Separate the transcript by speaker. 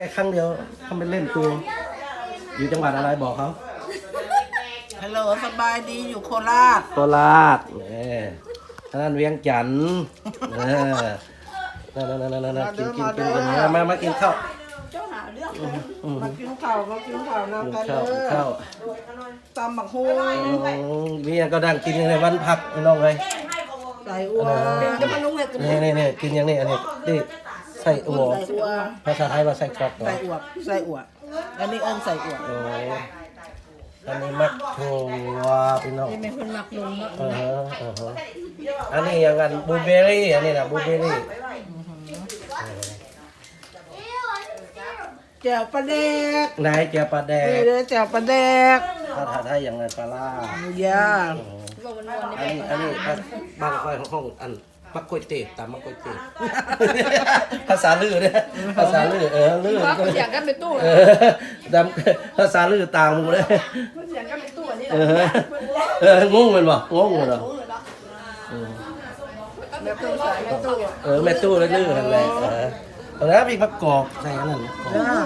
Speaker 1: แค่ครั้งเดียวเขาไปเล่นตัวอยู่จังหวัดอะไรบอกเขา
Speaker 2: ฮัลโหลสบายดีอยู่โคราช
Speaker 1: โคราชนั่นเวียงจันทร์นั่นกินมากินข้าว
Speaker 2: เจ้าหาเรื่องมากินข้าวนะกันเลย
Speaker 1: ข้าว
Speaker 2: ตำบักฮูง
Speaker 1: มีก็ดังกินในวันพักน้องเลย
Speaker 2: ใส่อัวจะมาลุงเลยกัน
Speaker 1: นี่กินอย่างนี้อันนี้นี่ใส่อัว
Speaker 2: ใส่อัว
Speaker 1: ภาษาไทยว่าใส่กรอก
Speaker 2: ใส่อัวอันนี้ใส่อัว
Speaker 1: อันนี้มักถั่วพี่น้อง
Speaker 2: นี่เป็นคนหมักลุงเนาะ
Speaker 1: อันนี้อย่างกันบลูเบอร์รี่อันนี้นะบลูเบอร์รี่
Speaker 2: แจ่วปลาแดก
Speaker 1: นายเจียปลาแด
Speaker 2: นี่
Speaker 1: ก
Speaker 2: เลยแจ่วปลาแดก
Speaker 1: ภาษาไทยอย่างไรปลาล่า
Speaker 2: ย่า
Speaker 1: อันนี้บ้านค่อยห้องอันมักกล้วยเตี๋ยตามมักกล้วยเตี๋ยภาษาลือเนี่ยภาษาลือลือ
Speaker 2: เสียงกันเป็นตู้
Speaker 1: ดำภาษาลือต่างมึงเลย
Speaker 2: เสียงกันเป็นตู้อันนี้
Speaker 1: งงมันบ่งงมันเหรอ
Speaker 2: แม่ตู้ใส่แม่ตู้
Speaker 1: แม่ตู้แล้วลือนั่นแหละแล้วมีประกอบใส่อันนั้น
Speaker 2: ย่า